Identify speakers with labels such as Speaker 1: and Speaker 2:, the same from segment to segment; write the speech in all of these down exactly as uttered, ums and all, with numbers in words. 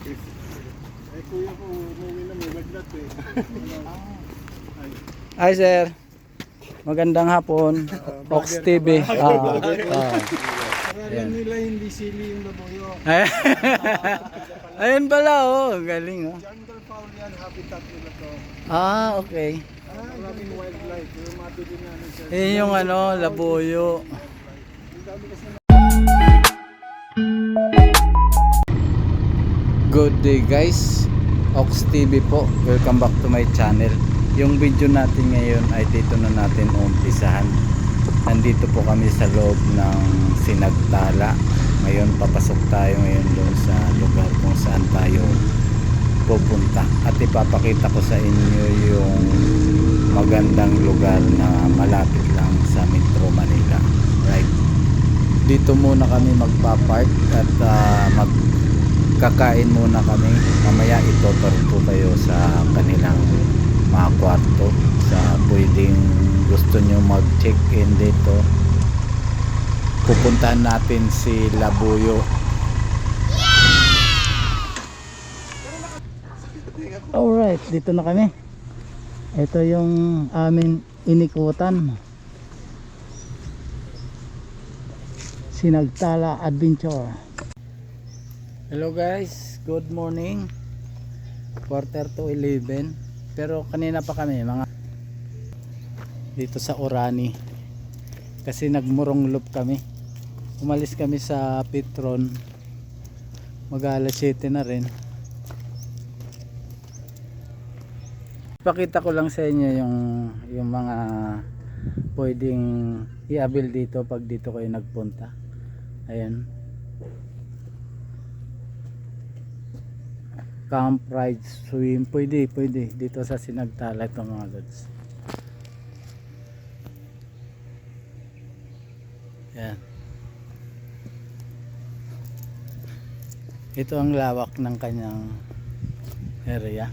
Speaker 1: Eh, kuya ko, umuwi na may maglat eh. Ay,
Speaker 2: Hi sir. Magandang hapon. Ox T V. Ah, ah.
Speaker 1: Paralan nila hindi sili yung labuyo.
Speaker 2: Ayun pala oh, galing oh.
Speaker 1: Jungle fowl yan, habitat nila to.
Speaker 2: Ah, okay.
Speaker 1: Maraming wildlife, yung mabili namin sa...
Speaker 2: Yun yung ano, labuyo.
Speaker 1: Ang dami kasi na...
Speaker 2: Good day guys. Ox T V po. Welcome back to my channel. Yung video natin ngayon ay dito na natin umpisahan. Nandito po kami sa loob ng Sinagtala. Ngayon papasok tayo ngayon doon sa lugar kung saan tayo pupunta. At ipapakita ko sa inyo yung magandang lugar na malapit lang sa Metro Manila. Right. Dito muna kami magpa-park at uh, magkakain muna kami. Mamaya itotor ko kayo sa kanilang mga kwarto sa pwedeng gusto nyo mag check in dito. Pupuntahan natin si Labuyo. Alright, dito na kami. Ito yung amin inikutan, Sinagtala Adventure. Hello guys, good morning. Quarter to eleven. Pero kanina pa kami mga dito sa Orani kasi nagmurong loop kami. Umalis kami sa Petron mag alas siyete na rin. Pakita ko lang sa inyo yung yung mga pwedeng i-avail dito pag dito kayo nagpunta. Ayan, camp, ride, swim, pwede, pwede dito sa Sinagtala ito mga lods. Yan. Ito ang lawak ng kanyang area.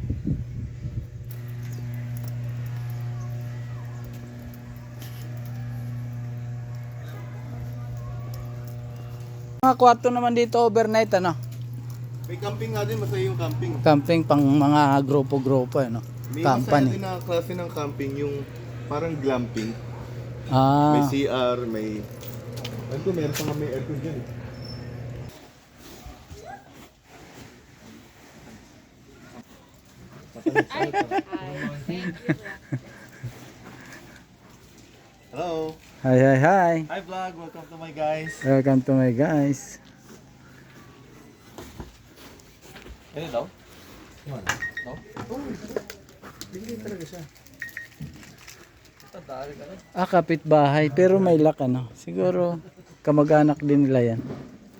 Speaker 2: Mga kwarto naman dito overnight ano?
Speaker 3: May camping nga din, masaya yung camping.
Speaker 2: Camping pang mga grupo-grupo ano?
Speaker 3: May
Speaker 2: Company.
Speaker 3: masaya din na klase ng camping, yung parang glamping.
Speaker 2: Ah.
Speaker 3: May C R, may... Ano ko, meron pa nga may aircon dyan eh. Hello!
Speaker 2: Hi, hi, hi.
Speaker 3: Hi vlog! Welcome to my guys!
Speaker 2: Welcome to my guys.
Speaker 3: Ano daw? Ano? No?
Speaker 1: Hindi talaga siya.
Speaker 3: Tadari ka na.
Speaker 2: Ah, kapitbahay pero may lock ano. Siguro kamag-anak din nila yan.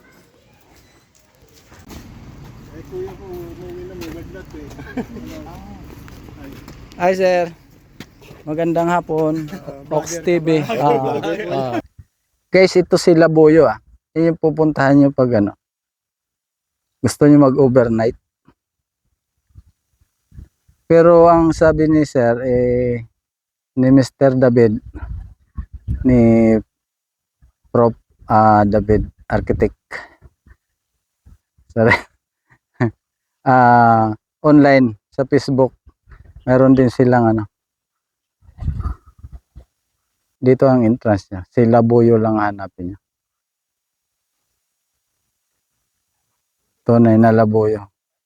Speaker 1: Eh, kuya ko, umuwi na may maglat eh. Ay,
Speaker 2: Hi sir. Magandang hapon. Ox T V. Ah, ah. Guys, ito si Labuyo ah. Yan yung pupuntahan nyo pag ano. Gusto nyo mag-overnight. Pero ang sabi ni sir eh ni Mister David, ni Prof uh, David Architect, sorry, uh, online sa Facebook meron din silang ano, dito ang entrance niya. Si Labuyo lang hanapin niya. Tunay na Labuyo.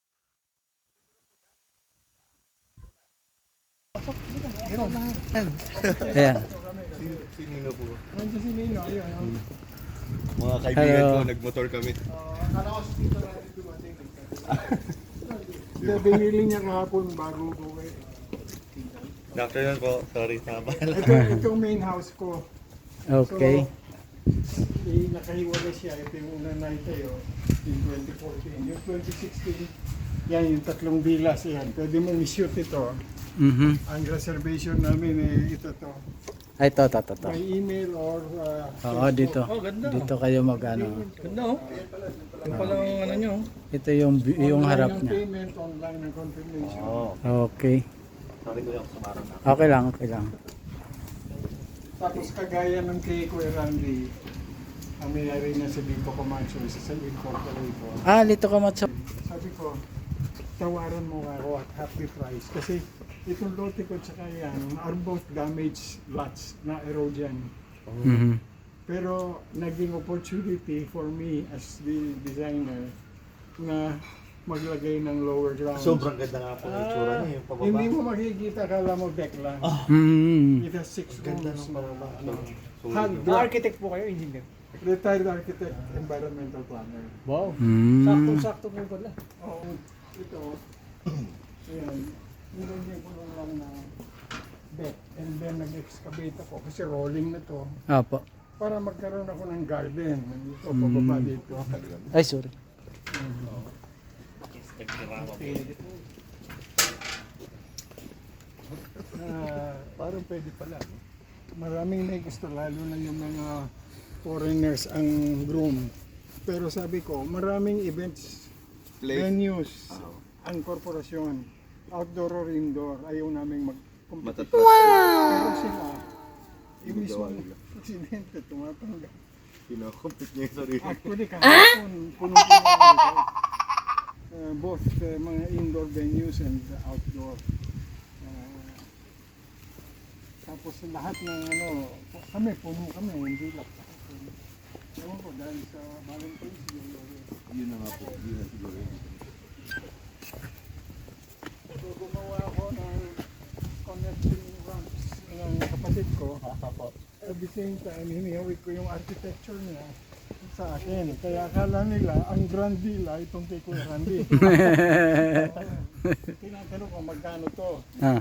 Speaker 2: Ayan.
Speaker 3: Si, si Nino po.
Speaker 1: nandiyan si Nino, ayun. ayun.
Speaker 3: Mga kaibigan
Speaker 2: Hello.
Speaker 3: ko, nagmotor kami.
Speaker 1: Akala ko si Tito na rin dumating. Hindi, binili niya kahapon bago buwi.
Speaker 3: Doctor yun po, sorry, nabala.
Speaker 1: Ito, ito yung main house ko.
Speaker 2: Okay.
Speaker 1: So, eh, nakahiwalay siya. Ito yung unang naitayo in twenty fourteen. Yung twenty sixteen, yan yung tatlong villas yan. Pwede mong i-shoot ito.
Speaker 2: Mhm.
Speaker 1: Ang reservation namin eh, ito to.
Speaker 2: Ay, to, to, to, to.
Speaker 1: By email or uh,
Speaker 2: Oo, dito.
Speaker 3: Oh, ganda.
Speaker 2: Dito kayo mag-ano.
Speaker 3: Ganda oh. Yung pala ang ano nyo.
Speaker 2: Ito yung yung
Speaker 1: online
Speaker 2: harap
Speaker 1: ang
Speaker 2: niya.
Speaker 1: payment, online ang confirmation.
Speaker 3: Oo.
Speaker 2: Okay.
Speaker 3: Sorry ko yung sumarang na.
Speaker 2: Okay lang, okay lang.
Speaker 1: Tapos kagaya ng kay Kuya Randy, ang may-ari na si Bito Camacho, isa sa incorporator.
Speaker 2: Ah, Lito Camacho.
Speaker 1: Sa sabi ko, tawaran mo ako at half the price. Kasi itong lote ko tsaka yan are both damaged lots na erosion.
Speaker 2: Mhm.
Speaker 1: Pero naging opportunity for me as the designer na maglagay ng lower ground.
Speaker 3: Sobrang ganda nga po ng itsura niya, yung pababa.
Speaker 1: Hindi mo makikita, kala mo deck lang.
Speaker 2: Mhm.
Speaker 1: It has six
Speaker 3: Ganda
Speaker 1: rooms
Speaker 3: ng
Speaker 1: na
Speaker 3: pababa.
Speaker 1: ano,
Speaker 3: Solid.
Speaker 1: hand
Speaker 4: Ah,
Speaker 1: block.
Speaker 4: architect po kayo, engineer.
Speaker 1: Retired architect, environmental planner.
Speaker 4: Wow.
Speaker 2: Mm.
Speaker 4: Saktong-sakto po pala.
Speaker 1: Oo, ito, ayan, nilagyan ko lang lang na deck and then nag-excavate ako kasi rolling na to
Speaker 2: Apo.
Speaker 1: para magkaroon ako ng garden. Ito,
Speaker 2: Mm.
Speaker 1: pababa dito.
Speaker 2: Ay, sorry.
Speaker 1: Ah, parang pwede pala. no? Maraming may gusto, lalo na yung mga foreigners ang groom. Pero sabi ko, maraming events,
Speaker 3: Place.
Speaker 1: venues, ang korporasyon, outdoor or indoor, ayaw namin mag-compete.
Speaker 3: Matatapos.
Speaker 1: Pero sila, yung
Speaker 3: Ginagawa
Speaker 1: mismo
Speaker 3: nila.
Speaker 1: presidente, tumatanggap.
Speaker 3: Kinocompete niya yung sarili.
Speaker 1: Actually, kahapon, punong-puno ang resort. Uh, both uh, mga indoor venues and the outdoor. Uh, tapos lahat ng ano, kami, puno kami, hindi lang. Ewan ko, dahil sa Valentine's Day.
Speaker 3: Yun na nga po, yun na siguro yun.
Speaker 1: So, gumawa ako ng connecting ramps ng kapatid ko. At the same time, hinihawig ko yung architecture niya sa akin. Kaya akala nila, ang Grand Villa, itong kay Kuya Randy. Tinatanong ko, magkano to?
Speaker 2: Ah.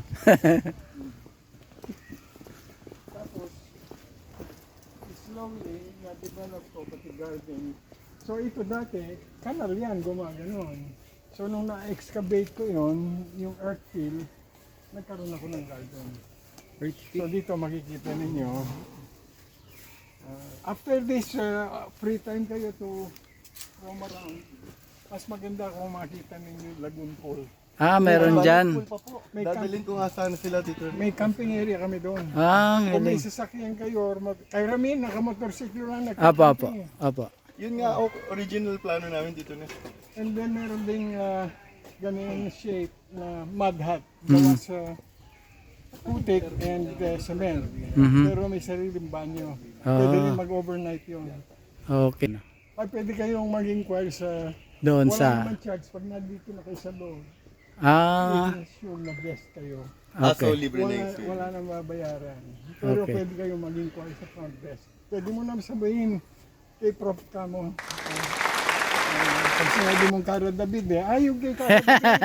Speaker 1: Tapos, slowly, na-develop ko pati garden. So ito dati, kanal yan, gumaganon. So nung na-excavate ko yon, yung earth fill, nagkaroon ako ng garden. So dito makikita ninyo. Uh, after this, uh, free time kayo to roam around. Mas maganda kung makita ninyo yung Lagoon Pool.
Speaker 2: Ah, meron dyan.
Speaker 1: May,
Speaker 3: Dadalhin ko nga sana sila dito.
Speaker 1: may camping area kami doon.
Speaker 2: Ah,
Speaker 1: Kung may
Speaker 2: galing.
Speaker 1: sasakyan kayo or mag... Kay Ramin, nakamotorsiklo lang
Speaker 2: Apo, apo.
Speaker 1: nagka-camping.
Speaker 2: Apo.
Speaker 3: Yun nga, o- original plano namin dito na.
Speaker 1: And then meron ding uh, ganyan shape na mud hut. Gawa sa putik and uh, cement.
Speaker 2: Mhm.
Speaker 1: Pero may sariling banyo.
Speaker 2: Ah.
Speaker 1: Pwede rin mag-overnight yun.
Speaker 2: Okay.
Speaker 1: Ay, pwede kayong mag-inquire sa...
Speaker 2: Doon
Speaker 1: Wala
Speaker 2: sa...
Speaker 1: naman charge pag nandito na kayo sa loob.
Speaker 2: Ah,
Speaker 1: Make sure na guest kayo.
Speaker 3: Ah, so
Speaker 2: okay.
Speaker 3: libre na
Speaker 1: Wala,
Speaker 3: yung stay.
Speaker 1: wala nang babayaran. Pero
Speaker 2: Okay.
Speaker 1: pwede kayong mag-inquire sa front desk. Pwede mo naman sabihin kay Prof Camo. Uh, uh, pag sinabi mong Cara David eh, ay yung kay Cara David.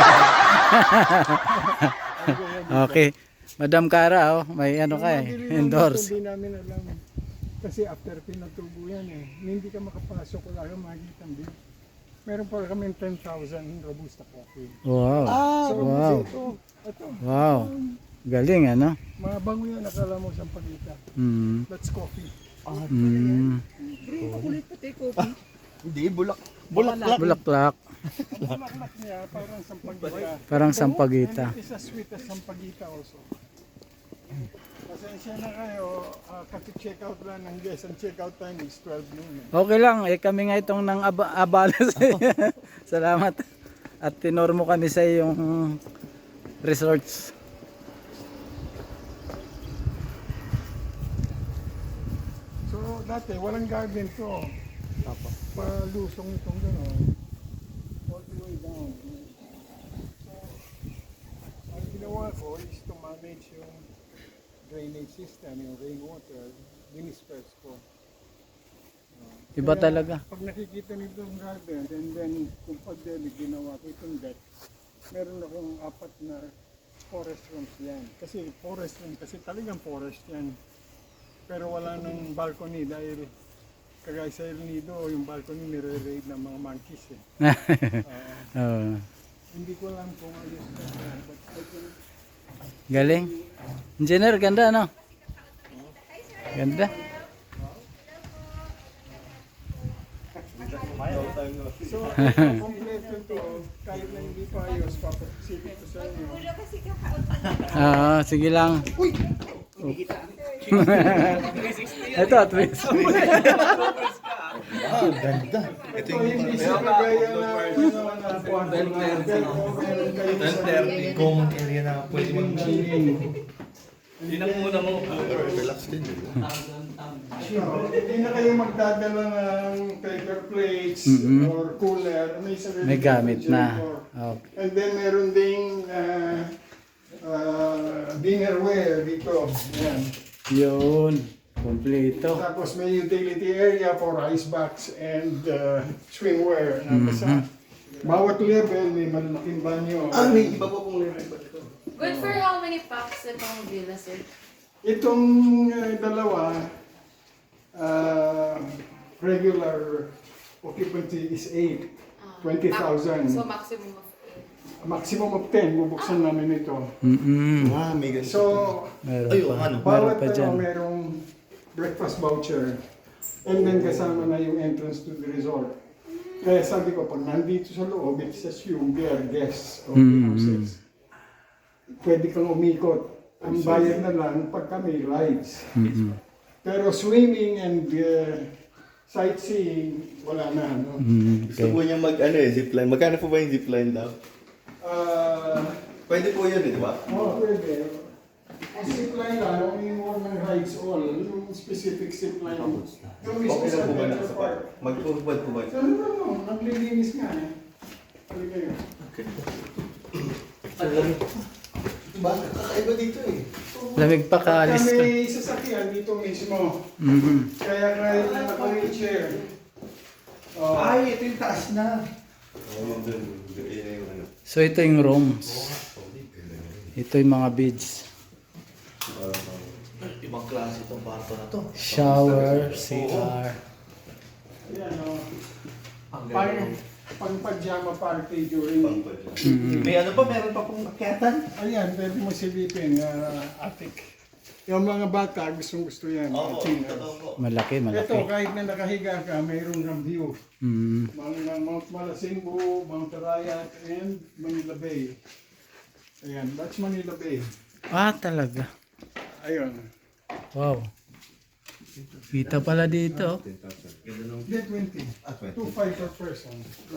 Speaker 2: Okay. Madam Cara, oh, may ano ka eh. Endorse.
Speaker 1: Hindi namin alam. Kasi after pinatubo yan eh, hindi ka makapasok, wala kang makikita ang bill. Meron pa kami ten thousand Robusta coffee.
Speaker 2: Wow.
Speaker 1: So,
Speaker 2: wow.
Speaker 1: ito, ito,
Speaker 2: Wow. Galing, ano?
Speaker 1: mga bango yan, nakala mo siyang pagita.
Speaker 2: Mm.
Speaker 1: That's coffee.
Speaker 2: Mm.
Speaker 4: Kulit pati kopi.
Speaker 3: Hindi, bulak. Bulaklak.
Speaker 2: Bulaklak.
Speaker 1: Ang bulaklak niya, parang sampagita.
Speaker 2: Parang sampagita.
Speaker 1: And it is as sweet as sampagita also. Pasensya na kayo, uh, kasi check out lang ng guest. Ang check out time is twelve noon. Eh.
Speaker 2: Okay lang, eh kami nga itong nang aba- abala sa iyo. Salamat. At tinor mo kami sa iyong resorts.
Speaker 1: So dati, walang garden to. Palusong itong gano'n. All the way down. So, ang ginawa ko is to manage yung drainage system, yung rainwater, dinisperse ko.
Speaker 2: Iba
Speaker 1: Kaya,
Speaker 2: talaga.
Speaker 1: Pag nakikita nito yung garden, and then kung pag-delig ginawa ko itong deck, meron akong apat na forest rooms yan. Kasi forest room, kasi talagang forest yan. Pero wala nang balcony dahil kagaya sa El Nido, yung balcony nire-raid ng mga monkeys eh. Ah,
Speaker 2: Oo.
Speaker 1: hindi ko alam kung ayos na yan, but I can
Speaker 2: Galing. Engineer, ganda no? Ganda.
Speaker 1: So, kompleto to, kahit na hindi pa ayos, papasilip ko sa inyo.
Speaker 2: Ah, sige lang. Ito, at least.
Speaker 3: Ah, ganda. Ito
Speaker 1: Ito hindi siya kagaya na ano na kwarto na pero meron kayo sa
Speaker 3: common area na pwede mag
Speaker 2: Yun ang muna mo.
Speaker 3: relax din.
Speaker 1: Hindi na kayo magdadala ng paper plates
Speaker 2: Mhm.
Speaker 1: or cooler. May, sarili
Speaker 2: May gamit
Speaker 1: kayong
Speaker 2: na.
Speaker 1: generator.
Speaker 2: Okay.
Speaker 1: And then meron ding uh, uh, dinnerware dito. Yan.
Speaker 2: Yun. Kompleto.
Speaker 1: Tapos may utility area for ice box and uh, swimwear. Nasa bawat level may malaking banyo.
Speaker 3: Ah, may iba pa pong level ba ito?
Speaker 5: Good for how many packs itong villa, sir?
Speaker 1: Itong uh, dalawa, uh, regular occupancy is eight.
Speaker 5: Ah,
Speaker 1: twenty thousand.
Speaker 5: So maximum of eight.
Speaker 1: Maximum of ten, bubuksan namin ito.
Speaker 2: Mm-mm.
Speaker 3: Ah, may ganito.
Speaker 1: So,
Speaker 2: Meron
Speaker 3: Ay,
Speaker 2: pa.
Speaker 3: ano?
Speaker 2: Meron
Speaker 1: bawat
Speaker 2: pa
Speaker 1: ano,
Speaker 2: dyan.
Speaker 1: merong breakfast voucher. And then kasama na yung entrance to the resort. Kaya sabi ko, pag nandito sa loob, it's assumed they are guests of the
Speaker 2: Mm.
Speaker 1: houses. Pwede kang umikot. Ang bayad na lang pag kami rides.
Speaker 2: Mm-mm.
Speaker 1: Pero swimming and uh, sightseeing, wala na. No?
Speaker 2: Mm,
Speaker 3: Gusto
Speaker 2: okay.
Speaker 3: po niya mag, ano eh, zipline. Magkano po ba yung zipline daw?
Speaker 1: Uh,
Speaker 3: Pwede po yun eh, di ba?
Speaker 1: oh, pwede. Ang zipline lang, only more ng rides all. Yung specific zipline. Yung mismo
Speaker 3: Okay
Speaker 1: sa
Speaker 3: lang po ba na
Speaker 1: Adventure
Speaker 3: sa
Speaker 1: Park.
Speaker 3: park? Mag-ubad po ba?
Speaker 1: So, ano ba no? Naglilinis nga eh. Pwede kayo.
Speaker 3: Bakit? Kakaiba dito eh.
Speaker 2: Lamig pa kaalis ka.
Speaker 1: Kami sasakyan dito mismo.
Speaker 2: Mm-hmm.
Speaker 1: Kaya kahit na naka-wheelchair. Oh,
Speaker 3: Ay, ito yung taas na. Oh, yun dun. Yun yung ano.
Speaker 2: So ito yung rooms. Ito yung mga beds.
Speaker 3: Ibang klase itong kwarto na to.
Speaker 2: Shower, C R.
Speaker 1: yan o.
Speaker 3: Ang
Speaker 1: Pang,
Speaker 3: ganda.
Speaker 1: pang pajama party during...
Speaker 3: Pangpad.
Speaker 2: Mm-hmm.
Speaker 3: May ano pa? Meron pa pong akyatan?
Speaker 1: Ayan, pwede mo silipin, uh, attic. Yung mga bata, gustong gusto yan.
Speaker 3: Oo,
Speaker 1: Tingnan.
Speaker 3: totoo po.
Speaker 2: Malaki,
Speaker 1: Ito,
Speaker 2: malaki.
Speaker 1: kahit na nakahiga ka, mayroon kang view.
Speaker 2: Mm.
Speaker 1: Mga Mount Malasimbo, Mount Arayat, and Manila Bay. Ayan, that's Manila Bay.
Speaker 2: Ah, talaga.
Speaker 1: Ayun.
Speaker 2: Wow. Kita pala dito.
Speaker 1: Hindi, twenty.
Speaker 3: Ah, twenty.
Speaker 1: two five per person.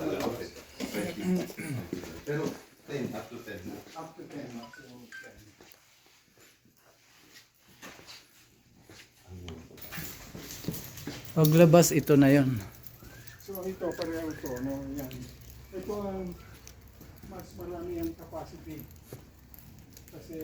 Speaker 3: Pero ten, up to ten.
Speaker 1: Up to ten. Up to ten.
Speaker 2: Paglabas, ito na yon.
Speaker 1: So ito, pareho ito. No? Yan. Ito ang mas marami ang capacity. Kasi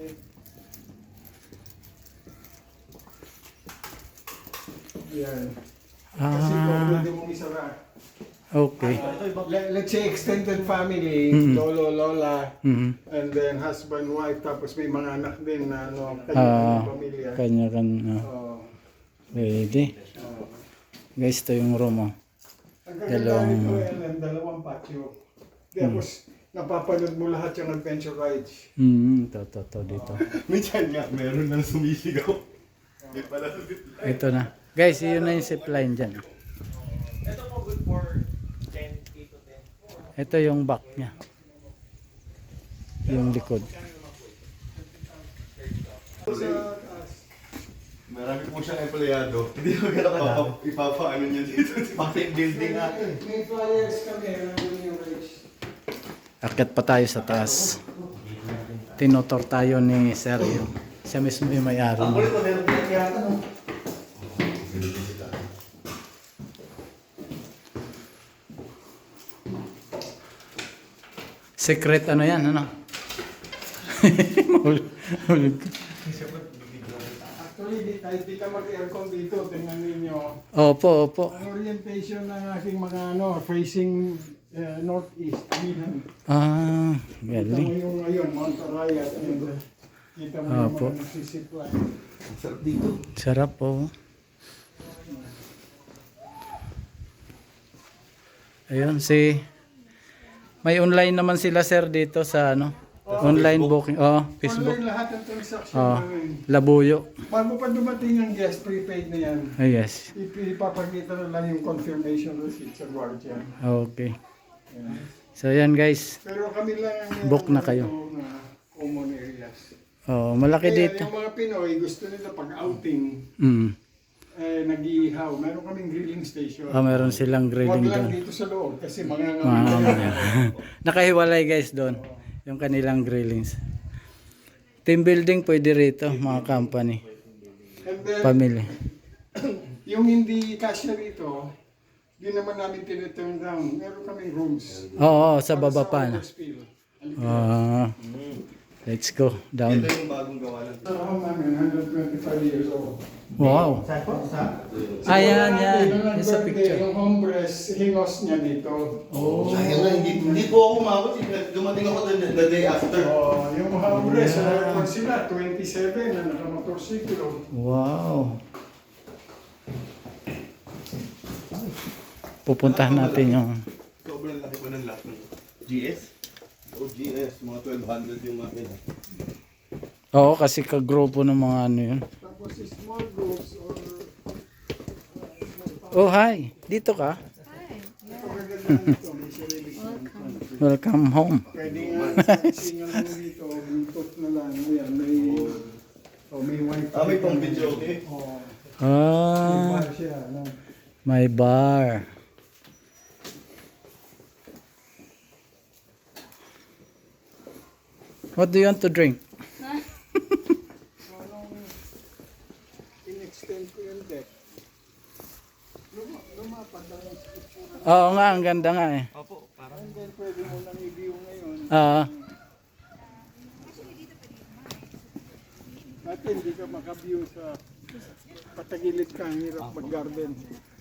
Speaker 1: yan. Kasi ito,
Speaker 2: Ah,
Speaker 1: pwede mong isara.
Speaker 2: okay.
Speaker 1: Let, let's say extended family,
Speaker 2: Mhm.
Speaker 1: lolo, lola,
Speaker 2: Mhm.
Speaker 1: and then husband, wife, tapos may mga anak din na ano,
Speaker 2: Ah,
Speaker 1: kanya-kanyang pamilya.
Speaker 2: Kanya-kanya.
Speaker 1: Oo.
Speaker 2: Pwede.
Speaker 1: Oo.
Speaker 2: Guys, ito yung room, oh.
Speaker 1: Ang kaganda
Speaker 2: Dalawang-
Speaker 1: nito, Ellen, dalawang patio. Tapos, napapanood mo lahat yung adventure rides.
Speaker 2: Mm, ito, ito, ito, dito.
Speaker 3: Minsan nga, meron na sumisigaw. May pala sa
Speaker 2: Ito na. Guys, yun na yung zipline dyan.
Speaker 4: Ito po good for ten, eight to ten.
Speaker 2: Ito yung back niya. Yung likod.
Speaker 1: Sa taas,
Speaker 3: Marami po siyang empleyado. Hindi ko gano'n papa, ipapaano niya dito. Pang-team building nga.
Speaker 1: may flyers kami, nandun yung rides.
Speaker 2: Akit pa tayo sa taas. Tinotor tayo ni Sergio. Siya mismo yung may-ari.
Speaker 3: Ang kulit ko, meron din yata, no?
Speaker 2: Secret ano yan, ano? Mahulog- mahulog ka.
Speaker 1: Actually, di, kahit di ka mag-aircon dito, tingnan ninyo.
Speaker 2: Opo, opo.
Speaker 1: Ang orientation ng aking mga ano, facing uh, northeast. Milan.
Speaker 2: Ah,
Speaker 1: Kita mo
Speaker 2: galing.
Speaker 1: yung ngayon, Mount Arayat. And, uh, kita mo yung
Speaker 2: Apo.
Speaker 1: mga nagsisipline.
Speaker 3: Ang sarap dito.
Speaker 2: Sarap po. Ayun, si... May online naman sila, sir, dito sa ano? Online booking. Oh, Facebook.
Speaker 1: Online lahat ng transaction
Speaker 2: Oh,
Speaker 1: namin.
Speaker 2: Labuyo.
Speaker 1: Bago pa dumating ang guest, prepaid na yan.
Speaker 2: Ah, yes.
Speaker 1: Ip- Ipapakita na lang yung confirmation receipt sa guardian.
Speaker 2: Okay.
Speaker 1: Yan.
Speaker 2: So, yan guys.
Speaker 1: Pero kami lang ang
Speaker 2: Book na kayo.
Speaker 1: na common areas.
Speaker 2: Oh, malaki
Speaker 1: Kaya
Speaker 2: dito.
Speaker 1: yung mga Pinoy gusto nila pag outing
Speaker 2: Mm.
Speaker 1: eh, nag-iihaw. Meron kaming grilling station.
Speaker 2: Ah, meron silang
Speaker 1: Huwag
Speaker 2: grilling
Speaker 1: lang
Speaker 2: doon.
Speaker 1: dito sa loob kasi mga
Speaker 2: Ah, nakahiwalay guys doon. Yung kanilang grillings. Team building pwede rito, mga company.
Speaker 1: And then,
Speaker 2: Family.
Speaker 1: yung hindi kasya rito, di naman namin tiniturn down. Meron kaming rooms.
Speaker 2: Oo, sa
Speaker 1: Para
Speaker 2: baba pa na.
Speaker 1: overspill.
Speaker 2: Ah, let's go down.
Speaker 3: Ito yung bagong gawa lang.
Speaker 1: Ito ako namin, one hundred twenty-five years old.
Speaker 2: Wow. Ayan, yan. Yung sa picture.
Speaker 1: Yung hombres, hingos niya dito.
Speaker 2: Oh.
Speaker 3: Sayang na, hindi, hindi po ako umabot. eh. Dumating ako the, the day after.
Speaker 1: Oh, yung hombres, yeah. uh, sila, twenty-seven na nakamotorsiklo.
Speaker 2: Wow. Pupuntahan natin yung...
Speaker 3: Sobrang laki pa ng lock ng G S? O G S, mga twelve hundred yung akin.
Speaker 2: Oo, kasi kagrupo ng mga ano yun.
Speaker 1: Tapos small groups or
Speaker 2: Oh, hi. Dito ka?
Speaker 1: pagkaganda nito, may sarili siyang pantry.
Speaker 2: Welcome home.
Speaker 1: Pwede nga, single mo dito, Bluetooth na lang, yan, may, oh, may wifi.
Speaker 3: Ah, may pang video, okay?
Speaker 1: Oh, may
Speaker 2: Ah,
Speaker 1: bar siya, no?
Speaker 2: may bar. What do you want to drink?
Speaker 1: So, nung in-extend ko yung deck, luma, lumapad lang yung struktura.
Speaker 2: Oo nga, ang ganda nga eh.
Speaker 4: Opo, parang
Speaker 1: And then, pwede mo nang i-view ngayon.
Speaker 2: Ah,
Speaker 1: Dati hindi ka maka-view sa patagilid ka, ang hirap mag-garden.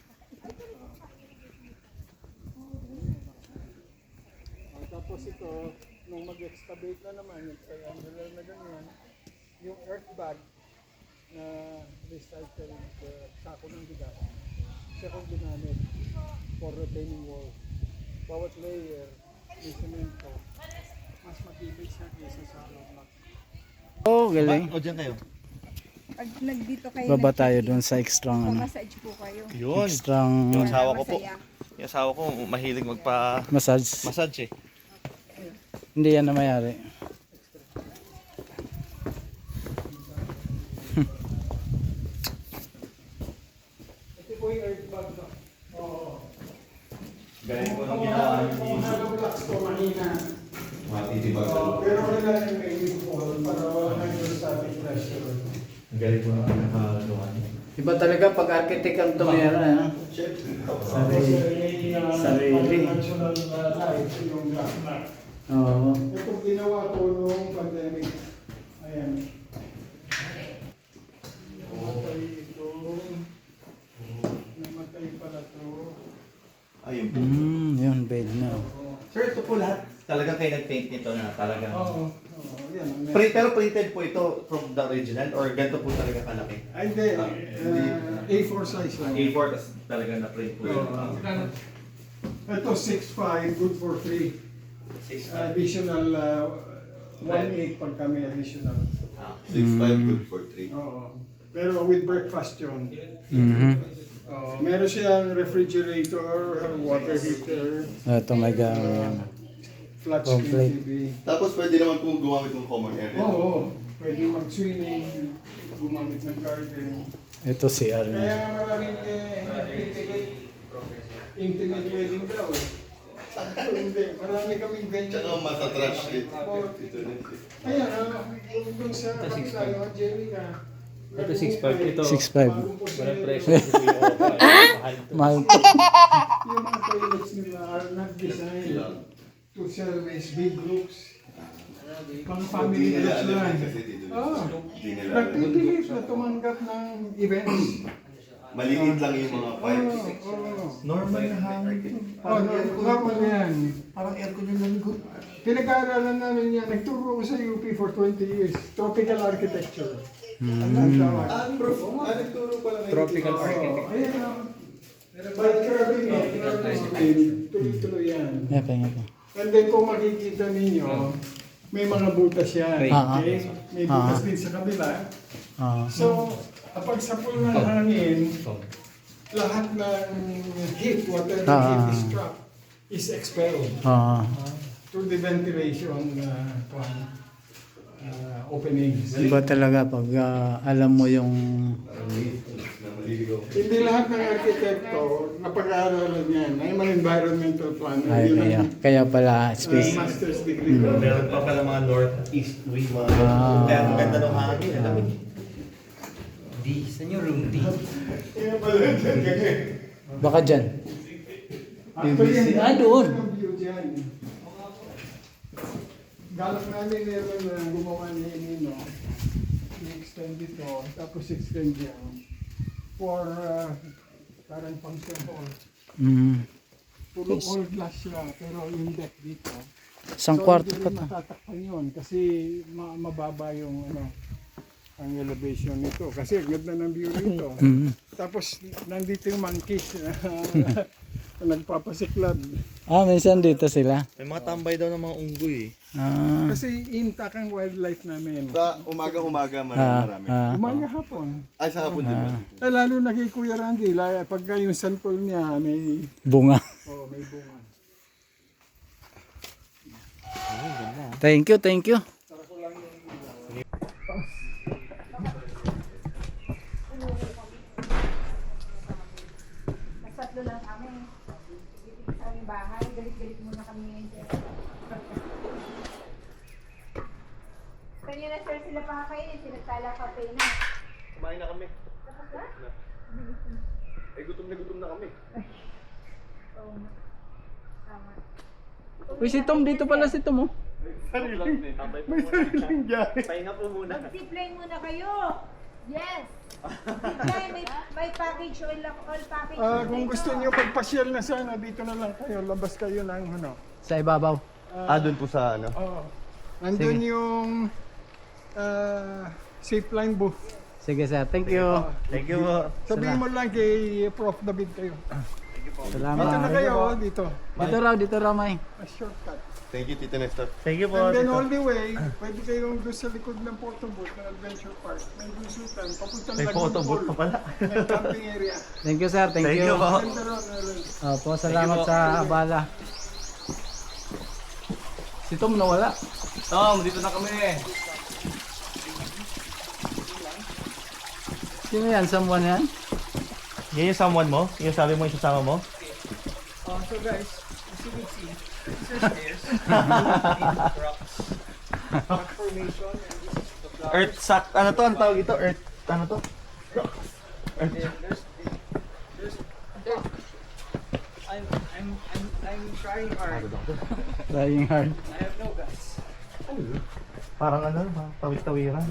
Speaker 1: Ah, tapos ito, nung mag-excavate na naman, yung triangular na ganyan, yung earth bag na recycle uh, sako ng bigas, siya kong ginamit for retaining wall. Bawat layer, may semento, mas matibay siya kaysa sa hollow block.
Speaker 2: oh, galing.
Speaker 3: O, dyan kayo.
Speaker 6: Pag nagdito kayo,
Speaker 2: Baba tayo doon sa extra ano.
Speaker 6: massage po kayo.
Speaker 4: yun.
Speaker 2: Extra
Speaker 4: Yung asawa ko po.
Speaker 6: Masaya.
Speaker 4: Yung asawa ko mahilig magpa
Speaker 2: massage.
Speaker 4: massage eh.
Speaker 2: Hindi yan na mayari.
Speaker 1: Ito po yung earth bag ba? Oo.
Speaker 3: Galing ko nang
Speaker 1: Kung
Speaker 3: ginawa
Speaker 1: hollow-
Speaker 3: niyo
Speaker 1: kung hollow blocks ko mahina.
Speaker 3: mga titibag sa
Speaker 1: Oo,
Speaker 3: loob.
Speaker 1: pero kailangan yung may fall para wala nang yung static pressure.
Speaker 3: Galing ko nang nakagawa niyo.
Speaker 2: Iba talaga pag architect ang tumira. Ano?
Speaker 1: Tapos
Speaker 2: Sarili.
Speaker 1: may uh,
Speaker 2: Sarili.
Speaker 1: conventional uh, light, yung black mat.
Speaker 2: Oo.
Speaker 1: Ito ginawa ko noong pandemic. Ayan. Namatay ito. Namatay pala ito.
Speaker 3: Ayun po.
Speaker 2: Mm, yun, bed na.
Speaker 7: Sir, ito po lahat talagang kayo nag-paint nito na talagang...
Speaker 1: Oo. Oo, yan. ang
Speaker 7: Pre, pero printed po ito from the original or ganito po talaga kalaki?
Speaker 1: Ay, hindi. Uh, A four size lang.
Speaker 7: A four, tas talaga na-print po yun.
Speaker 1: Oo. Ito six five, good for free.
Speaker 7: Six,
Speaker 1: Additional uh, one eight pag kami additional.
Speaker 7: ah.
Speaker 3: six five good for three.
Speaker 1: Oo. Pero with breakfast yun.
Speaker 2: Mhm.
Speaker 1: Oo. Meron siyang refrigerator, water heater,
Speaker 2: Ito may gamit.
Speaker 1: flat screen
Speaker 2: Complete.
Speaker 1: T V.
Speaker 3: Tapos pwede naman po gumamit ng common area.
Speaker 1: Oo. Pwede mag-swimming, gumamit ng garden.
Speaker 2: Ito si
Speaker 1: Kaya
Speaker 2: Arne.
Speaker 1: nga maraming eh, intimate, intimate wedding daw eh. Hindi, marami kaming venue.
Speaker 3: Tsaka matatrash din.
Speaker 1: Oo.
Speaker 3: Ito rin.
Speaker 1: Ayan, ah, yung dun sa kapila, yung Angelica.
Speaker 8: Ito six five ito.
Speaker 2: six five.
Speaker 8: Walang presyo si Kuya Oka. Mahal ito.
Speaker 2: Mahal.
Speaker 1: Yung mga toilets nila are not designed to service big groups. Pang family
Speaker 3: Hindi nila
Speaker 1: groups
Speaker 3: alam
Speaker 1: lang.
Speaker 3: kasi dito.
Speaker 1: Oo.
Speaker 3: Hindi nila alam.
Speaker 1: Nagpipilit na tumanggap ng events.
Speaker 3: Maliit lang yung mga
Speaker 1: Oo,
Speaker 3: pipes.
Speaker 1: oo.
Speaker 7: Normal na hangin.
Speaker 1: Oh, no- normal yan.
Speaker 7: Parang aircon yung naligo.
Speaker 1: Pinag-aaralan namin yan. Nagturo ko sa U P for twenty years. Tropical architecture.
Speaker 2: Hmm.
Speaker 1: Ang ang tawag.
Speaker 3: Ah, bro. Ah, nagturo pala ngayon.
Speaker 8: Tropical
Speaker 1: Oo,
Speaker 8: architect.
Speaker 1: ayan ah. But curving eh, curving, tuloy-tuloy yan.
Speaker 2: Yeah, pahinga po.
Speaker 1: And then kung makikita ninyo, may mga butas yan.
Speaker 2: Ah, ah.
Speaker 1: Okay? May
Speaker 2: Ah,
Speaker 1: butas
Speaker 2: ah.
Speaker 1: din sa kabila.
Speaker 2: Ah.
Speaker 1: So, kapag sapul ng hangin, lahat ng heat, whatever
Speaker 2: Ah.
Speaker 1: heat is trapped, is expelled
Speaker 2: Ah.
Speaker 1: through the ventilation uh, uh, openings.
Speaker 2: Iba talaga pag ah, alam mo yung
Speaker 3: Parang liit. Maliligaw.
Speaker 1: Hindi lahat ng arkitekto napag-aaralan yan. I'm an environmental planner.
Speaker 2: Ay,
Speaker 1: Yun
Speaker 2: kaya,
Speaker 1: ang
Speaker 2: kaya pala
Speaker 1: uh,
Speaker 2: space.
Speaker 1: master's degree ko.
Speaker 7: Meron pa pala mga north-east wind, mga
Speaker 2: Ah.
Speaker 7: kaya ang ganda ng hangin. Alam mo,
Speaker 8: D. Saan yung room D?
Speaker 3: Kaya pala dyan ganyan.
Speaker 2: Baka dyan.
Speaker 1: Actually, ang
Speaker 2: Ah, doon.
Speaker 1: ganda ng view dyan. Galak namin meron na gumawa ni Nino. I-extend ito, tapos extend yan. For uh, parang function hall.
Speaker 2: Mm.
Speaker 1: Puro all glass siya, pero yung deck dito.
Speaker 2: Isang
Speaker 1: So,
Speaker 2: kwarto
Speaker 1: hindi
Speaker 2: pa
Speaker 1: rin
Speaker 2: to.
Speaker 1: matatakpan yun kasi ma- mababa yung ano, ang elevation nito. Kasi ang ganda ng view nito.
Speaker 2: Mm.
Speaker 1: Tapos nandito yung monkeys na nagpapasiklab.
Speaker 2: Ah, minsan dito sila.
Speaker 7: may mga tambay daw ng mga unggoy eh.
Speaker 2: Ah.
Speaker 1: Kasi intact ang wildlife namin.
Speaker 3: Sa umaga-umaga
Speaker 2: Ah,
Speaker 3: marami marami.
Speaker 2: ah.
Speaker 1: Umaga hapon.
Speaker 3: Ay, sa hapon din ba?
Speaker 1: Eh, lalo na kay Kuya Randy, la- pagka yung santol niya may,
Speaker 2: Bunga.
Speaker 1: oh, may bunga.
Speaker 2: Thank you, thank you.
Speaker 6: Nasatlo lang kami. Dito sa aming bahay. Galit-galit muna kami ngayon. sir. Kanina sir sila pa kakainin. Sinagtala kape na.
Speaker 3: Kumain na kami.
Speaker 6: Tapos na?
Speaker 3: Eh, gutom na gutom na kami.
Speaker 6: Oo. Tama.
Speaker 2: Uy, si Tom, dito pala si Tom, oh.
Speaker 1: May sariling biyahe.
Speaker 4: Pahinga po muna.
Speaker 6: Mag-zipline muna kayo. Yes. Zipline. May, may package all, all package.
Speaker 1: Ah, kung gusto niyo pagpasyal na sana, dito na lang kayo. Labas kayo ng ano.
Speaker 2: Sa ibabaw.
Speaker 3: Ah, doon po sa ano?
Speaker 1: Oh, nandun yung uh, zipline booth.
Speaker 2: Sige, sir. Thank you.
Speaker 7: Thank you po.
Speaker 1: Sabihin mo lang kay Prof David kayo. Dito na
Speaker 2: Salamat.
Speaker 1: kayo, oh, dito.
Speaker 2: Dito raw, dito raw, May.
Speaker 1: A shortcut.
Speaker 3: Thank you, Tito Nestor.
Speaker 7: Thank you po.
Speaker 1: And then
Speaker 7: Tito.
Speaker 1: all the way, pwede kayong doon sa likod ng photo booth ng Adventure Park. May busutan, papuntang
Speaker 7: May photo booth pa pala.
Speaker 1: May camping area.
Speaker 2: Thank you, sir. Thank,
Speaker 7: Thank
Speaker 2: you.
Speaker 7: you po.
Speaker 1: Ganda ron, Aaron.
Speaker 2: Opo, salamat sa abala. Si Tom nawala.
Speaker 4: Tom, dito na kami.
Speaker 2: Sino yan? Someone yan?
Speaker 7: Yan yung someone mo? Yung sabi mo yung sasama mo?
Speaker 4: Uh, so guys, as you can see, these are stairs. Rocks. Rock formation. And this is the flower.
Speaker 7: Earth sack. Ano to? Ang tawag ito? Earth. Ano to?
Speaker 4: And then there's there's there's I'm I'm I'm I'm trying hard.
Speaker 2: Trying hard.
Speaker 4: I have no guts.
Speaker 7: Parang ano ba? Tawid-tawiran.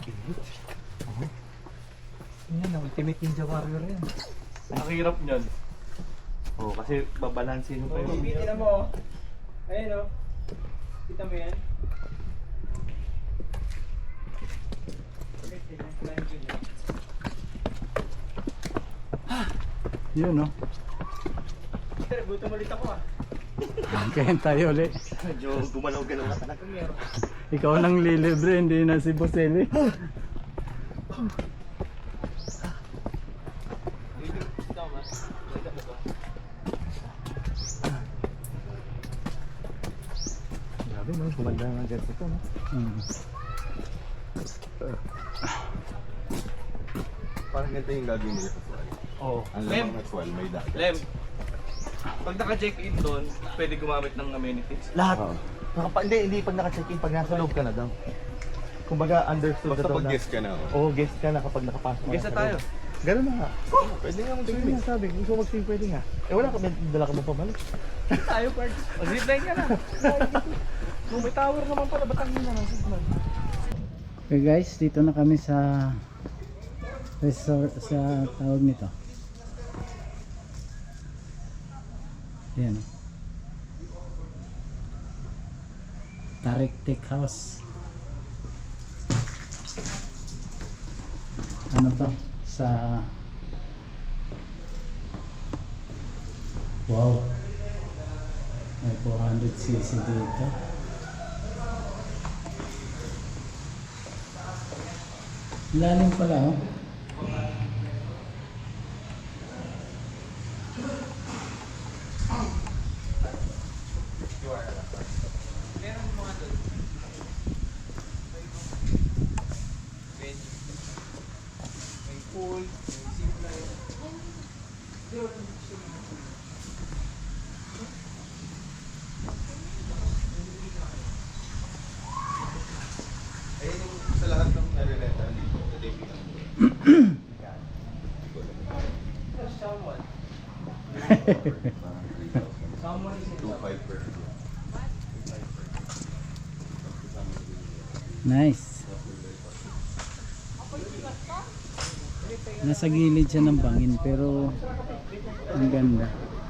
Speaker 8: Yan, ultimate ninja warrior yan.
Speaker 7: Ang hirap niyan. Oo, oh, kasi babalansin mo pa
Speaker 4: Oh,
Speaker 7: yung...
Speaker 4: tingnan mo. Ayun oh. Kita mo yan?
Speaker 2: Yun, no?
Speaker 4: Pero gutom ulit ako ah.
Speaker 2: Kaya tayo ulit.
Speaker 7: Medyo gumalaw-galaw na talaga.
Speaker 2: Ikaw nang lilibre, hindi na si Boseli.
Speaker 7: Grabe no, gumanda nga dyan ito no.
Speaker 2: Hmm.
Speaker 3: Parang ganito yung gagawin nila sa Sual.
Speaker 7: Oo.
Speaker 3: Ang lamang na Sual, may dagat.
Speaker 4: Lem, pag naka-check-in doon, pwede gumamit ng amenities.
Speaker 7: Lahat.
Speaker 3: Oo.
Speaker 7: Nakapa, hindi, hindi pag naka-check-in, pag nasa loob ka na daw. Kumbaga understood
Speaker 3: Basta
Speaker 7: na daw
Speaker 3: pag
Speaker 7: na.
Speaker 3: guest ka na. oh.
Speaker 7: Oo, guest ka na kapag nakapasok ka
Speaker 4: Guess na
Speaker 7: sa
Speaker 4: tayo.
Speaker 7: loob. Ganun na nga.
Speaker 3: Pwede nga
Speaker 7: Pwede
Speaker 3: mag-swimming.
Speaker 7: nga sabi, gusto mo mag-swim, pwede nga. Eh wala ka, may dala ka mo pabalik.
Speaker 4: Tayo, Pards. Mag-zipline ka na. Kung may tower naman pala, ba't ang hina ng signal?
Speaker 2: Okay guys, dito na kami sa resort, sa tawag nito. Ayan. Tarik Take House. Ano to? Sa wow. May four hundred c c dito. Lalim pala, oh.
Speaker 4: Meron mga doon. May venue. May pool, may zipline.
Speaker 3: two five per.
Speaker 2: Nice. Nasa gilid siya ng bangin pero ang ganda.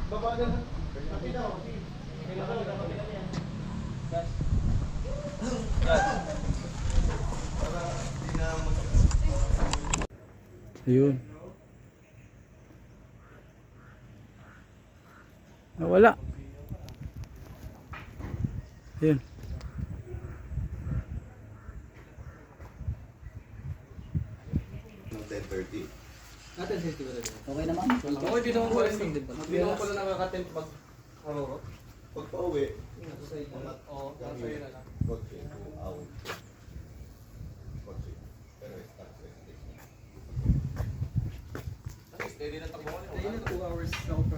Speaker 2: Ayun. Nawala. Ayun.
Speaker 3: Ng ten thirty.
Speaker 8: Okay naman. Okay, di naman pala yung din ba? Di naman pala nakaka-tempt pag harurot.
Speaker 3: Pag pauwi,
Speaker 8: Oo, nasa iyo na lang.
Speaker 3: kotse, awit. Kotse. Pero start with this.
Speaker 8: Steady na takbo ko. Steady na two hours.